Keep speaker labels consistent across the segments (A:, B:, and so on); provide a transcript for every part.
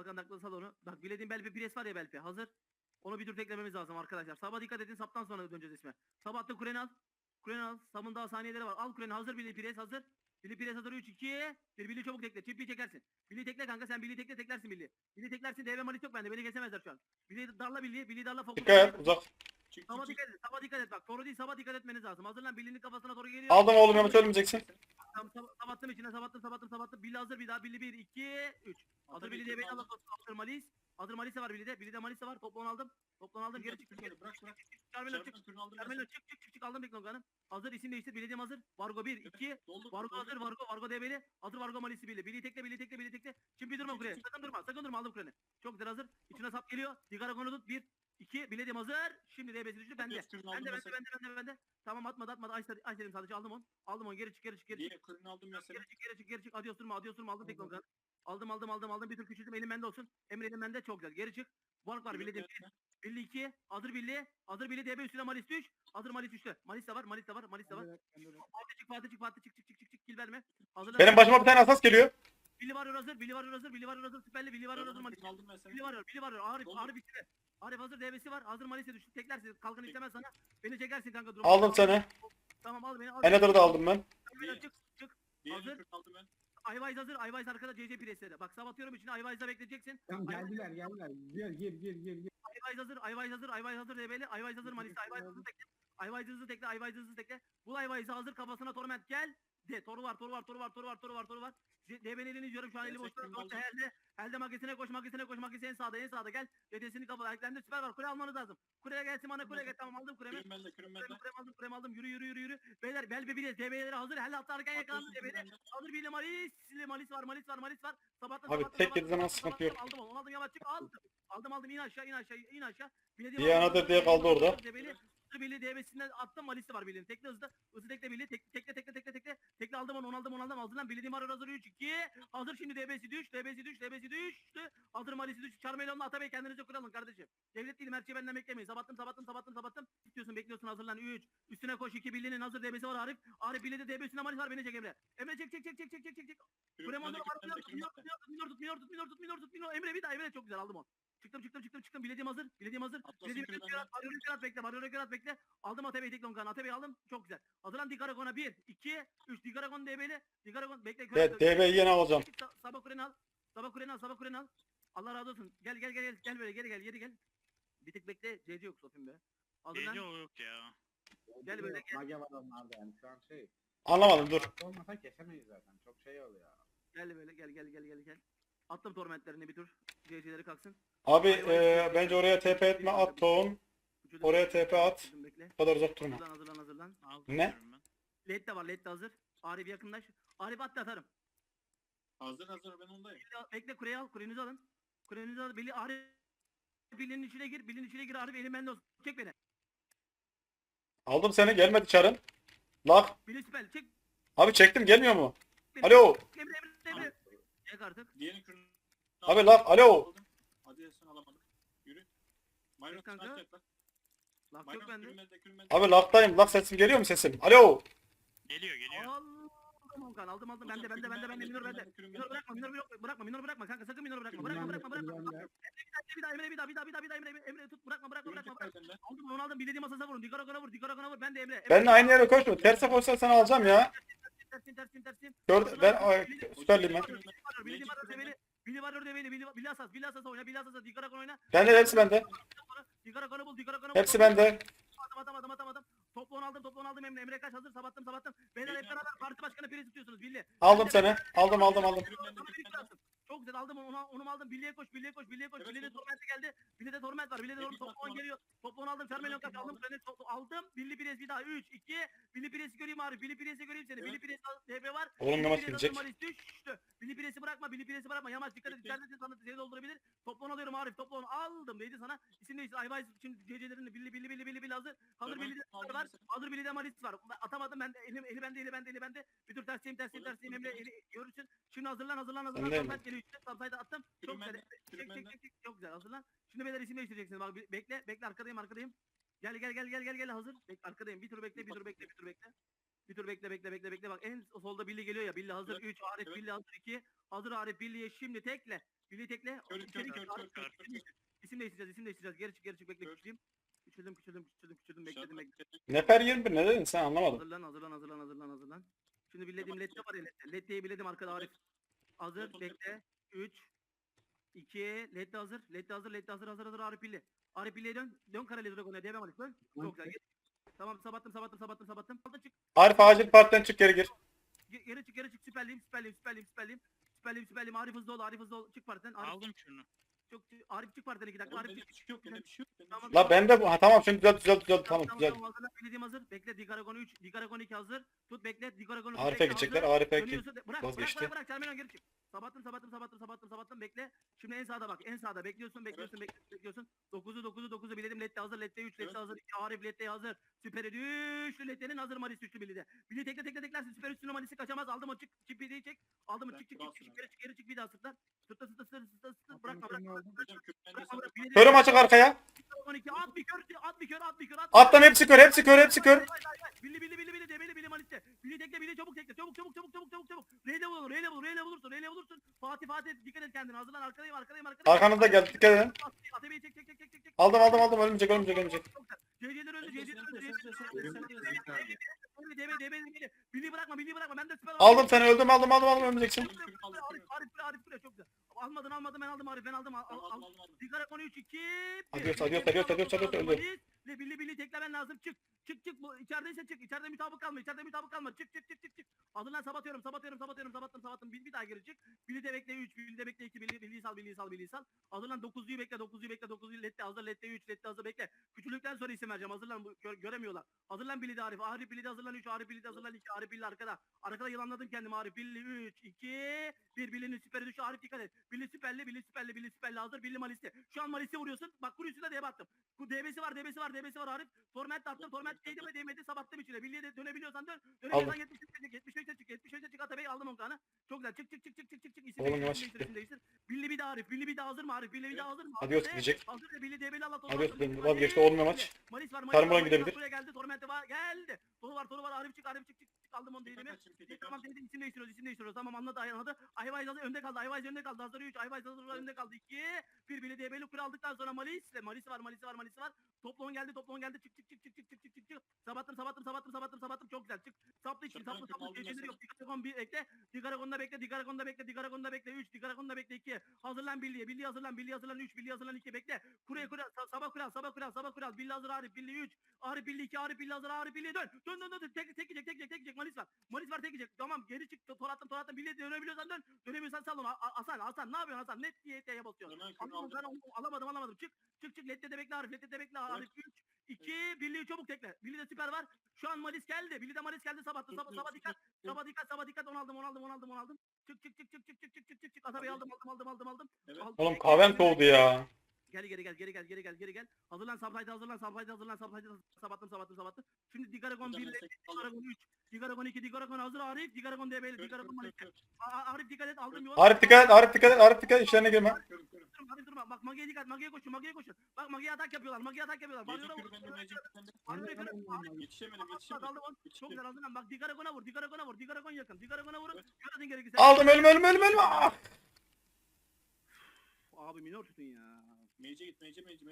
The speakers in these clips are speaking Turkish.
A: Kalkan takla sal onu. Bak bilediğin Belpe pres var ya Belpe. Hazır. Onu bir tur teklememiz lazım arkadaşlar. Sabah dikkat edin. Saptan sonra döneceğiz isme. Sabah da Kur'an al. Kur'an al. Sabın daha saniyeleri var. Al Kur'an'ı hazır. Billy pres hazır. Billy pres hazır. 3 2 1. Billy çabuk tekle. Çiftliği çekersin. Billy tekle kanka. Sen Billy tekle teklersin Billy. Billy teklersin. DB malis yok bende. Beni kesemezler şu an. Billy darla Billy. Billy darla fokus.
B: Dikkat et uzak.
A: Sabah dikkat et. Sabah dikkat et. Bak Toru değil sabah dikkat etmeniz lazım. Hazırlan Billy'nin kafasına doğru geliyor.
B: Aldım oğlum Mehmet ölmeyeceksin.
A: Sabattım içine sabattım. Billy hazır bir daha. Billy 1 2 3. Hazır Billy diye beni alın. Hazır Malis. Hazır Malis var Billy'de. Billy'de Malis var. Toplan aldım. Toplan aldım. Geri çık.
C: Bırak.
A: Carmelo çık. Aldım Beklogan'ı. Hazır isim değiştir. Billy'de hazır. Vargo 1 2. Vargo hazır. Vargo DB'li. Hazır Vargo Malis'i Billy. Billy tekle. Şimdi bir durma buraya. Sakın durma. Aldım Kur'an'ı. Çok güzel hazır. İçine sap geliyor. Digaragon'u tut. 1 2. Billy'de hazır. Şimdi DB'si düştü. Bende. Tamam atmadı. Ay dedim sadece aldım onu. Geri çık. Geri çık. Adios durma. Aldım Beklogan'ı. Aldım. Bir tur küçülttüm. Elim bende olsun. Emre elim bende. Çok güzel. Geri çık. Vark var. Billy 2. Hazır Billy DB üstüne Malis düş. Hazır Malis düştü. Malis de var. Fatih çık. Kill verme. Hazırlan.
B: Benim başıma bir tane asas geliyor.
A: Billy var hazır. Süperli. Billy var hazır Malis. Billy var. Arif bitti. Arif hazır DB'si var. Hazır Malis'e düştü. Teklersin. Kalkan istemez sana. Beni çekersin kanka. Durum.
B: Aldım seni.
A: Tamam al beni.
B: Eneder'ı da aldım ben.
A: Çık. Hazır. Ayvayz hazır. Ayvayz arkada CC presledi. Bak sabatıyorum içine Ayvayz'da bekleyeceksin.
D: Tamam geldiler. Gir.
A: Ayvayz hazır DB'li. Ayvayz hazır Malis'te. Ayvayz hızlı tekle. Bul Ayvayz'ı hazır kafasına torment gel. De toru var. DB'nin elini izliyorum şu an eli boşta. Elde magesine koş en sağda gel. Dedesini kafa eklendi süper var. Kule almanız lazım. Kuleye gelsin bana kule gel. Tamam aldım kulemi. Kurem aldım. Yürü. Beyler Belbe bir de DB'leri hazır. Helle atlarken yakalandı DB'de. Hazır bir Malis var.
B: Abi tek yedi zaman sıkıntı yok.
A: Aldım yavaş çık aldım in aşağı.
B: Bir anadır diye kaldı orada.
A: Billy DB'sinden attım Malis'i var Billy'nin. Tekle hızlı tekle Billy. Tekle aldım onu aldım. Billy Dimar hazır 3 2. Hazır şimdi DB'si düştü. Hazır Malis'i düştü. Charmelon'la Atabey kendinize kuralın kardeşim. Devlet değilim her şeyi benden beklemeyin. Sabattım. İstiyorsun bekliyorsun hazırlan 3. Üstüne koş 2 Billy'nin hazır DB'si var Arif. Billy'de DB üstüne Malis var beni çek Emre. Emre çek. Kureman'da var. Minor. Emre bir daha Emre çok güzel aldım onu. Çıktım. Bilediğim hazır. Arıyor bekle. Aldım Atabey tek longan. Atabey aldım. Çok güzel. Hazırlan Digaragon'a 1, 2, 3. Digaragon DB'li. Digaragon bekle.
B: Evet DB'yi yine alacağım.
A: Sabah Kur'an al. Allah razı olsun. Gel böyle geri gel. Bir tık bekle. CC yok Sofim be. Hazırlan.
C: CC yok ya.
A: Gel böyle gel.
D: Mage var onlarda yani şu an şey.
B: Anlamadım dur.
D: Olmasa kesemeyiz zaten. Çok şey oluyor.
A: Gel böyle gel. Attım tormentlerini bir tur. CC'leri kalksın.
B: Abi bence oraya TP etme at tohum. Oraya TP at. Bu kadar uzak durma.
A: Hazırlan.
C: Aldım
A: Ne?
C: ben.
A: LED de var. LED de hazır. Arif yakınlaş. Arif at da atarım.
C: Hazır ben ondayım.
A: Bekle kureyi al. Kurenizi alın. Billy Arif. Billy'nin içine gir. Arif elim bende olsun. Çek beni.
B: Aldım seni gelmedi çarın. Lak.
A: Billy spell çek.
B: Abi çektim gelmiyor mu?
A: Beni.
B: Alo.
A: Emre. Çek artık.
C: Diğerini kürünü.
B: Abi lak alo.
C: Hadi sen alamadık. Yürü. Mayros
A: kanka.
C: kaç lan?
A: Laf yok bende.
C: Kürümelde.
B: Abi laktayım. Lak sesim geliyor mu sesim? Alo.
C: Geliyor.
A: Aldım. Bende. Minor bende. Minor bırakma kanka. Sakın minor bırakma. Bırakma. Bir daha Emre tut. Bırakma. Aldım onu aldım. Bildiğim masasına vurun. Digaragon'a vur. Ben de Emre.
B: Ben de aynı yere koşma. Terse koşsan sana alacağım ya.
A: Tersim.
B: Gördüm. Ben süperliyim ben.
A: Billy var orada Billy asas oyna. Digaragon oyna.
B: Bende hepsi bende.
A: Digaragon'u bul.
B: Hepsi bende.
A: Adam. Toplu aldım Emre kaç hazır sabattım. Beyler hep beraber parti başkanı piri tutuyorsunuz Billy.
B: Aldım seni. Aldım.
A: Çok güzel aldım onu aldım. Billy'ye koş. Billy'de torment geldi. Billy'de torment var. Billy'de toplu geliyor. Toplu aldım. Charmelon kaç aldım. Aldım. Billy Pires bir daha 3 2. Billy Pires'i göreyim abi. Billy Pires'i göreyim seni. Billy Pires DB var.
B: Oğlum yamaç gelecek.
A: Düştü. Billy Pires'i bırakma. Yamaç dikkat et. İçeride sana seni doldurabilir. Toplu alıyorum Arif. Toplu aldım. Neydi sana? İsim neydi? Ayvayz şimdi CC'lerini Billy hazır. Hazır Billy'de var. Hazır Billy'de Malis var. Atamadım ben de. Eli bende. Bir tur tersiyim Emre. Eli görürsün. Şimdi hazırlan. Torment geliyor işte. Subside'a attım. Çok güzel. Çek. Çok güzel. Hazırlan. Şimdi beyler isim değiştireceksiniz. Bak bekle arkadayım. Gel hazır. Arkadayım. Bir tur bekle. Bir tur bekle. Bak en solda Billy geliyor ya. Billy hazır 3. Arif Billy hazır 2. Hazır Arif Billy'ye şimdi tekle. Birliği tekle.
C: Kör,
A: İçeri
C: kör,
A: gir.
C: kör,
A: Arif,
C: kör,
A: isim değiştir. İsim değiştireceğiz, isim değiştireceğiz. Geri çık, bekle,
C: Kör.
A: küçüleyim. Küçüldüm, bekledim.
B: Nefer 21 ne dedin sen anlamadım.
A: Hazırlan. Şimdi bilediğim lette var ya lette. Letteyi biledim arkada Arif. Hazır, bekle. 3, 2, lette hazır. Lette hazır Arif Billi. Arif Billi'ye dön. Dön Karali Dragon'a DB Malik dön. Çok güzel. Geç. Tamam sabattım. Aldın çık.
B: Arif acil partiden çık geri gir.
A: Geri çık. Süperliyim. Arif hızlı ol. Çık partiden.
C: Aldım şunu.
A: Arif çık partiden 2 dakika.
C: Oğlum
A: Arif
C: bende
A: çık.
C: bir şey yok. Bende bir şey yok.
A: Tamam.
B: La bende bu. Ha, tamam şimdi düzelt tamam güzel.
A: Hazırlan. Bilediğim hazır. Bekle. Digaragon 3. Digaragon 2 hazır. Tut bekle. Digaragon 3.
B: Arif'e gidecekler. Arif'e ki
A: Dönüyorsun.
B: vazgeçti.
A: Bırak. Terminal geri çık. Sabattım. Bekle. Şimdi en sağda bak. En sağda. Bekliyorsun. 9'u biledim. Lette hazır. Lette 3. Lette hazır. 2. Arif Lette hazır. Süperi düştü. Lette'nin hazır. Malis düştü bilide. Bilide teklersin. Süper üstüne Malis'i kaçamaz. Aldım o çık. Çipiyi çek. Aldım mı? Çık. Geri çık. Bir daha sırtlar. Sırtla. Bırakma.
B: Körüm açık arkaya.
A: 12 at bir kör.
B: Attan hepsi kör.
A: Billi Malis'te. Billi tekle çabuk. Reyle bulursun. Fatih dikkat et kendine. Hazırlan arkadayım.
B: Arkanızda geldi dikkat edin.
A: Atebeyi çek.
B: Aldım ölmeyecek.
A: CC'ler öldü. Billi bırakma. Ben de süper.
B: Aldım seni öldüm ölmeyeceksin.
A: Arif buraya çok güzel. Almadın ben aldım Arif. Ben aldım. Sigara konu 3 2.
B: Adios öldü.
A: Billi teklemen lazım. Çık. Bu içerideyse çık. İçeride mutabık kalma. Çık. Hazırlan sabatıyorum. Bir daha geri çık. Billi de bekle 3. Billi de bekle 2. Billiyi sal. Hazırlan 9'luyu bekle. 9'luyu lette hazır. Lette 3. Lette hazır bekle. Küçülükten sonra isim vereceğim. Hazırlan göremiyorlar. Hazırlan Billi de Arif. Arif Billi de hazırlan 3. Arif Billi de hazırlan 2. Arif Billi arkada. Arkada yılanladım kendimi. Arif Billi 3 2 1. Billi'nin süperi düşü. Arif dikkat et. Billi süperli hazır. Billi Malis'te. Şu an Malis'te vuruyorsun. Bak kur üstüne diye baktım. Bu DB'si var Arif. Torment attım. Torment değdi mi değmedi. Sabattım içine. Billi'ye de dönebiliyorsan dön. Dönemiyorsan 75'te çık. Atabeyi aldım on kanı. Çok güzel. Çık. İsim
B: Oğlum yavaş
A: değiştir. Billi bir de Arif. Billi bir de hazır mı Arif? Billi bir de hazır mı?
B: Adios diyecek.
A: Hazır da Billi DB'li Allah.
B: Adios vazgeçti olmuyor maç.
A: Malis var.
B: Tarmura gidebilir.
A: Buraya geldi. Torment'e var. Geldi. Toru var. Arif çık. Aldım onu değilimi. Tamam dedi isim değiştiriyoruz. Tamam anladı. Ayvayz hazır önde kaldı. Hazır 3. Ayvayz hazır önde kaldı. 2. Bir Billi DB'li kur aldıktan sonra Malis var. Toplon geldi. Çık. Sabattım. Çok güzel. Çık. Saplı için. Saplı. Geceleri yok. Digaragon 1 ekle. Digaragon'da bekle. 3. Digaragon'da bekle 2. Hazırlan Billi'ye. Billi hazırlan 3. Billi hazırlan 2. Bekle. Kuraya. Sabah kural. Billi hazır Arif. Billi 3. Arif Billi 2. Arif Billi hazır. Arif Billi dön. Tek yiyecek. Malis var tek yiyecek. Tamam geri çık. Tor attım. Billi'ye dönebiliyorsan dön. Dönemiyorsan sal onu. Hasan ne yapıyorsun Hasan? Net diyete basıyorsun. Alamadım. Çık. Lette de bekle Arif. Arif 3. 2. Billi'yi çabuk tekle. Billi'de süper var. Şu an Malis geldi. Billi'de Malis geldi sabahtı. Sabah dikkat. Onu aldım. Çık. Atabeyi aldım.
B: Oğlum kahvem soğudu ya.
A: Geri gel. Hazırlan Subside. Sabattım. Şimdi Digaragon 1, Digaragon 3, Digaragon 2, Digaragon hazır Arif, Digaragon DB'li, Digaragon Malis. Arif dikkat et aldım yol.
B: Arif dikkat et işlerine girme.
A: Arif durma. Bak Magi'ye dikkat. Magi'ye koşun. Bak Magi'ye atak yapıyorlar.
C: Yetişemedim.
A: Aldım onu. Çok güzel hazırlan. Bak Digaragon'a vur. Digaragon yakın. Digaragon'a vurun. Gördün gerekirse.
B: Aldım ölme. Ah!
A: Abi minor tutun ya.
C: Mage'e git.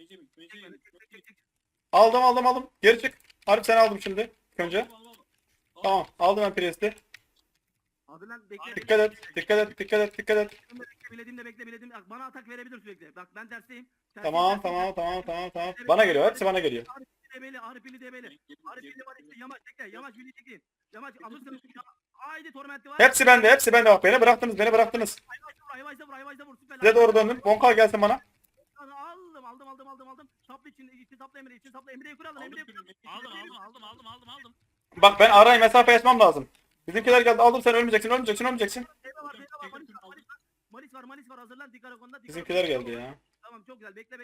B: Aldım. Geri çık. Arif seni aldım şimdi. Önce. Tamam aldım ben Priest'i.
A: Hazırlan bekle.
B: Dikkat et.
A: Bilediğim. Bak bana atak verebilir sürekli. Bak ben tersteyim.
B: Tamam. Bana geliyor. Hepsi bana geliyor.
A: Arif Billi DB'li. Yamaç tekle. Yamaç Billi tekleyin. Yamaç alırsınız. Haydi Torment'i var.
B: Hepsi bende bak. Beni bıraktınız.
A: Ayvaz'da vur. Süper.
B: Size doğru döndüm. Bonka gelsin bana.
A: Aldım. Saplı için saplı Emre'yi kur alın.
C: Aldım.
B: Bak ben arayı mesafe açmam lazım. Bizimkiler geldi. Aldım seni ölmeyeceksin.
A: Malis var hazırlan Digaragon'da.
B: Bizimkiler geldi ya.
A: Tamam çok güzel. Bekle.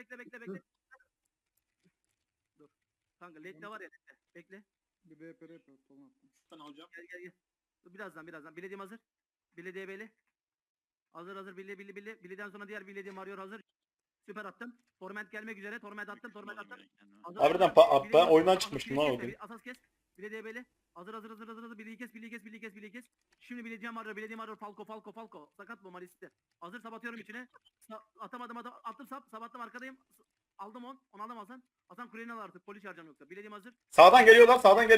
A: Dur. Kanka led de var ya. Bekle.
D: Bir BP yapıyor. Tamam.
C: Ben alacağım.
A: Gel. Dur, birazdan. Bilediğim hazır. Bilediği beli. Hazır. Bileden sonra diğer bilediğim arıyor hazır. Süper attım. Torment gelmek üzere. Torment attım.
B: Harbiden ben oyundan çıkmıştım lan o gün.
A: Asas kes. Bile DB'li. Hazır. Birliği kes. Şimdi bileceğim var. Falco. Sakat bu Malis'te. Hazır sabatıyorum içine. Atamadım. Attım sabattım arkadayım. Aldım 10. Onu aldım Hasan. Hasan kuleni al artık. Polis çağıracağım yoksa. Bilediğim hazır.
B: Sağdan geliyorlar.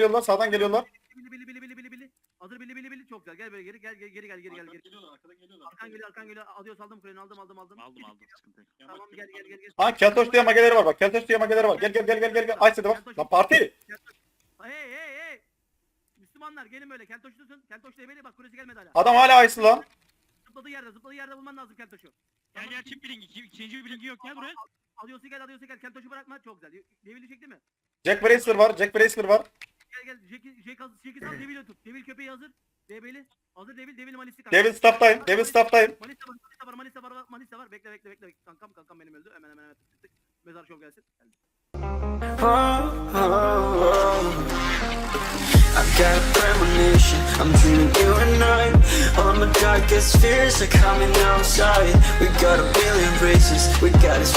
A: Bili. Hazır bili. Çok güzel. Gel böyle geri. Gel.
C: Arkadan geliyorlar.
A: Arkan geliyor. Adios aldım kuleni aldım.
C: Aldım. Sıkıntı yok.
A: Tamam gel.
B: Ha Keltoş diye mageleri var bak. Gel. Ay bak. Lan parti.
A: Hey. Müslümanlar gelin böyle. Keltoş tutun. Keltoş DB'li bak kulesi gelmedi hala.
B: Adam hala ayısı lan.
A: Zıpladığı yerde bulman lazım Keltoş'u.
C: Gel çift bilingi. İkinci bir bilingi yok gel buraya.
A: Adios'u gel. Keltoş'u bırakma. Çok güzel. Devili çekti mi?
B: Jack Bracler var.
A: Gel. Jack'i sal. Devil'i tut. Devil köpeği hazır. DB'li. Hazır Devil Malis'i
B: Devil staff'tayım.
A: Manisa var. Bekle. Kankam benim öldü. Hemen tık. Mezar şov gelsin. Geldi.
E: I've got a premonition, I'm dreaming you and I. All my darkest fears are coming outside. We got a billion races, we got this